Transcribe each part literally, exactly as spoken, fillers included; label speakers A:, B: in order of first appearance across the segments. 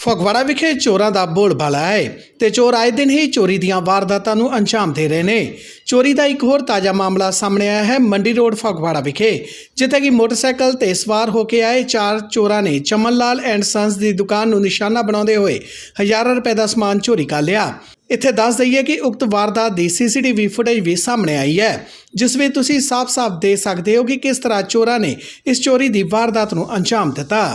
A: ਫਗਵਾੜਾ ਵਿਖੇ ਚੋਰਾਂ ਦਾ ਬੋਲਬਾਲਾ ਹੈ ਤੇ ਚੋਰ ਆਏ ਦਿਨ ਹੀ ਚੋਰੀ ਦੀਆਂ ਵਾਰਦਾਤਾਂ ਨੂੰ ਅੰਜਾਮ ਦੇ ਰਹੇ ਨੇ। ਚੋਰੀ ਦਾ ਇੱਕ ਹੋਰ ਤਾਜ਼ਾ ਮਾਮਲਾ ਸਾਹਮਣੇ ਆਇਆ ਹੈ ਮੰਡੀ ਰੋਡ ਫਗਵਾੜਾ ਵਿਖੇ, ਜਿੱਥੇ ਕਿ ਮੋਟਰਸਾਈਕਲ ਤੇ ਸਵਾਰ ਹੋ ਕੇ ਆਏ ਚਾਰ ਚੋਰਾਂ ਨੇ ਚਮਨ ਲਾਲ ਐਂਡ ਸੰਸ ਦੀ ਦੁਕਾਨ ਨੂੰ ਨਿਸ਼ਾਨਾ ਬਣਾਉਂਦੇ ਹੋਏ ਹਜ਼ਾਰਾਂ ਰੁਪਏ ਦਾ ਸਮਾਨ ਚੋਰੀ ਕਰ ਲਿਆ। ਇੱਥੇ ਦੱਸ ਦਈਏ ਕਿ ਉਕਤ ਵਾਰਦਾਤ ਦੀ ਸੀਸੀਟੀਵੀ ਫੁਟੇਜ ਵੀ ਸਾਹਮਣੇ ਆਈ ਹੈ, ਜਿਸ ਵਿੱਚ ਤੁਸੀਂ ਸਾਫ਼-ਸਾਫ਼ ਦੇਖ ਸਕਦੇ ਹੋ ਕਿ ਕਿਸ ਤਰ੍ਹਾਂ ਚੋਰਾਂ ਨੇ ਇਸ ਚੋਰੀ ਦੀ ਵਾਰਦਾਤ ਨੂੰ ਅੰਜਾਮ ਦਿੱਤਾ।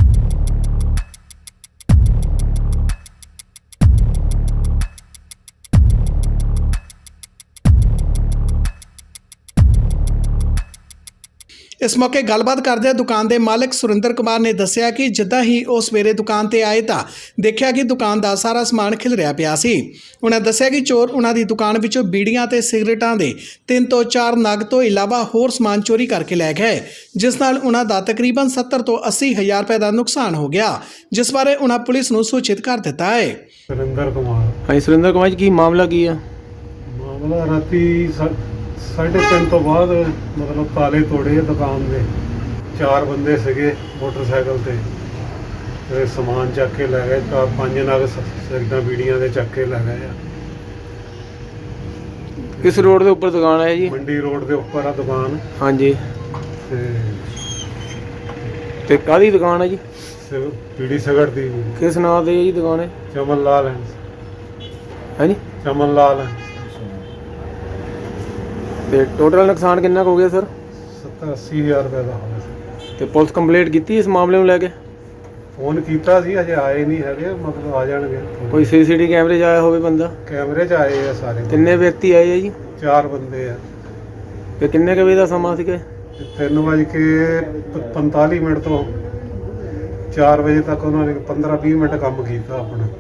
A: इस मौके गलबात करदे दुकान के मालिक सुरिंदर कुमार ने दस्सिया कि जिद्दां ही वो सवेरे दुकान ते आए तां देखिया कि दुकान का सारा समान खिलरिया पिया सी। उन्हें दस्सिया कि चोर उन्हां दी दुकान विचों बीड़ियां ते सिगरेटां दे तीन तो चार नग तो इलावा होर समान चोरी करके लै गए, जिस नाल उन्हां दा तकरीबन सत्तर तो अस्सी हज़ार रुपए का नुकसान हो गया, जिस बारे उन्हां पुलिस नूं सूचित कर दिता है।
B: सुरिंदर कुमार
C: हाँ सुरिंदर कुमार जी, की मामला की है?
B: मामला राती साढ़े तीन तो बाद मतलब ताले तोड़े दुकान के, चार बंदे सगे मोटरसाइकिल ते ते समान चक के लै गए। चार पांच नग सिगरेटां बीड़ियां दे चक के लै गए।
C: किस रोड के उपर दुकान है जी?
B: मंडी रोड के उपर आ दुकान।
C: हाँ जी।
B: ते
C: ते काहदी दुकान है जी?
B: बीड़ी सिगरेट दी।
C: किस नाम से जी दुकान है?
B: चमन लाल है।
C: है जी?
B: चमन लाल है।
C: ਤੇ ਟੋਟਲ ਨੁਕਸਾਨ ਕਿੰਨਾ ਕੁ ਹੋ ਗਿਆ ਸਰ?
B: सत्तर अस्सी हज़ार रुपये का हो गया।
C: ਤੇ ਪੁਲਿਸ ਕੰਪਲੇਂਟ ਕੀਤੀ ਇਸ ਮਾਮਲੇ ਨੂੰ ਲੈ ਕੇ?
B: फोन किया सी, अजे आए नहीं है, मतलब आ जाएंगे।
C: ਕੋਈ ਸੀਸੀਟੀਵੀ ਕੈਮਰੇ 'ਚ ਆਇਆ ਹੋਵੇ ਬੰਦਾ?
B: कैमरे च आए हैं सारे।
C: ਕਿੰਨੇ ਵਿਅਕਤੀ ਆਏ ਆ ਜੀ?
B: चार बंदे हैं।
C: ਤੇ ਕਿੰਨੇ ਕੁ ਵਜੇ ਦਾ ਸਮਾਂ ਸੀਗਾ?
B: तीन बज के पैंताली मिनट तो चार बजे तक उन्होंने पंद्रह भी मिनट काम किया अपना।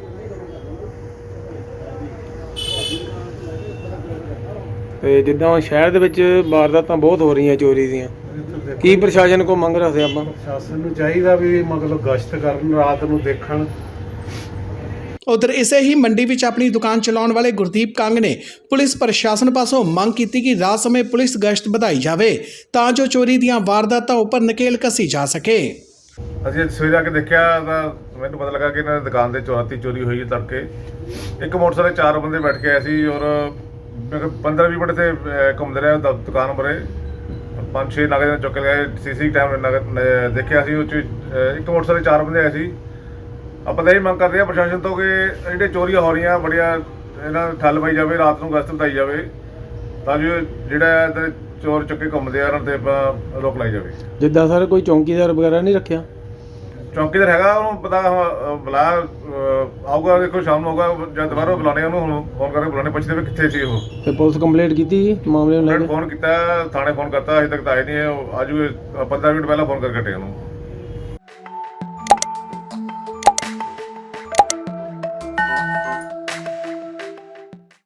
C: ਤੇ ਜਿੱਦਾਂ ਸ਼ਹਿਰ ਦੇ ਵਿੱਚ ਵਾਰਦਾਤਾਂ ਬਹੁਤ ਹੋ ਰਹੀਆਂ ਚੋਰੀ ਦੀਆਂ, ਕੀ ਪ੍ਰਸ਼ਾਸਨ ਕੋ ਮੰਗ ਰੱਖਦੇ ਆਪਾਂ?
B: ਪ੍ਰਸ਼ਾਸਨ ਨੂੰ ਚਾਹੀਦਾ ਵੀ ਮਤਲਬ ਗਸ਼ਤ ਕਰਨ, ਰਾਤ ਨੂੰ ਦੇਖਣ।
A: उधर इसे ही मंडी विच अपनी दुकान चलाने वाले गुरदीप कंग ने पुलिस प्रशासन पासों मंग की कि रात समय पुलिस गश्त बढ़ाई जाए तां जो चोरी दीआं वारदातां उपर नकेल कसी जा सके।
D: ਅਸੀਂ ਸਵੇਰੇ ਆ ਕੇ ਦੇਖਿਆ ਤਾਂ ਮੈਨੂੰ ਪਤਾ ਲੱਗਾ ਕਿ ਇਹਨਾਂ ਦੀ ਦੁਕਾਨ ਦੇ ਚੋਰਾਤੀ ਚੋਰੀ ਹੋਈ ਹੈ। ਤੜਕੇ ਇੱਕ ਮੋਟਰਸਾਈਕਲ ਚਾਰ ਬੰਦੇ ਬੈਠ ਕੇ ਆਏ ਸੀ ਔਰ ਪੰਦਰਾਂ ਵੀਹ ਮਿੰਟ ਤੇ ਘੁੰਮਦੇ ਰਹੇ ਦੁਕਾਨ ਪਰੇ। ਪੰਜ ਛੇ ਨਗ ਚੁੱਕ ਕੇ ਗਏ। ਸੀਸੀ ਕੈਮਰੇ ਦੇਖਿਆ ਸੀ, ਉਹ 'ਚ ਇੱਕ ਮੋਟਰਸਾਈਕਲ ਚਾਰ ਬੰਦੇ ਆਏ ਸੀ। ਆਪਾਂ ਤਾਂ ਇਹ ਮੰਗ ਕਰਦੇ ਹਾਂ ਪ੍ਰਸ਼ਾਸਨ ਤੋਂ ਕਿ ਜਿਹੜੇ ਚੋਰੀਆਂ ਹੋ ਰਹੀਆਂ ਬੜੀਆਂ ਇਹਨਾਂ ਨੂੰ ਠੱਲ ਪਾਈ ਜਾਵੇ, ਰਾਤ ਨੂੰ ਗਸ਼ਤ ਵਧਾਈ ਜਾਵੇ ਤਾਂ ਜੋ ਜਿਹੜਾ ਇੱਧਰ ਚੋਰ ਚੁੱਕੇ ਘੁੰਮਦੇ ਆ ਉਹਨਾਂ 'ਤੇ ਆਪਾਂ ਰੋਕ ਲਾਈ ਜਾਵੇ।
C: ਜਿੱਦਾਂ ਸਰ ਕੋਈ ਚੌਂਕੀਦਾਰ ਵਗੈਰਾ ਨਹੀਂ ਰੱਖਿਆ?
D: ਚੌਂਕੀਦਾਰ ਹੈਗਾ, ਉਹਨੂੰ ਪਤਾ ਬੁਲਾ ਆਊਗਾ, ਦੇਖੋ ਸ਼ਾਮ ਨੂੰ ਆਊਗਾ ਜਦ ਦੁਬਾਰਾ ਬੁਲਾਣੇ ਉਹਨੂੰ ਫੋਨ ਕਰਕੇ ਬੁਲਾਣੇ, ਪੁੱਛਦੇ ਵੀ ਕਿੱਥੇ ਸੀ ਉਹ।
C: ਤੇ ਪੁਲਿਸ ਕੰਪਲੇਂਟ ਕੀਤੀ ਜੀ ਮਾਮਲੇ ਨੂੰ ਲੈ ਕੇ?
D: ਫੋਨ ਕੀਤਾ, ਥਾਣੇ ਫੋਨ ਕਰਤਾ, ਅਜੇ ਤੱਕ ਤਾਂ ਆਏ ਨਹੀਂ। ਆਜੂ ਪੰਦਰਾਂ ਮਿੰਟ ਪਹਿਲਾਂ ਫੋਨ ਕਰਕੇ ਹਟੇ ਉਹਨੂੰ।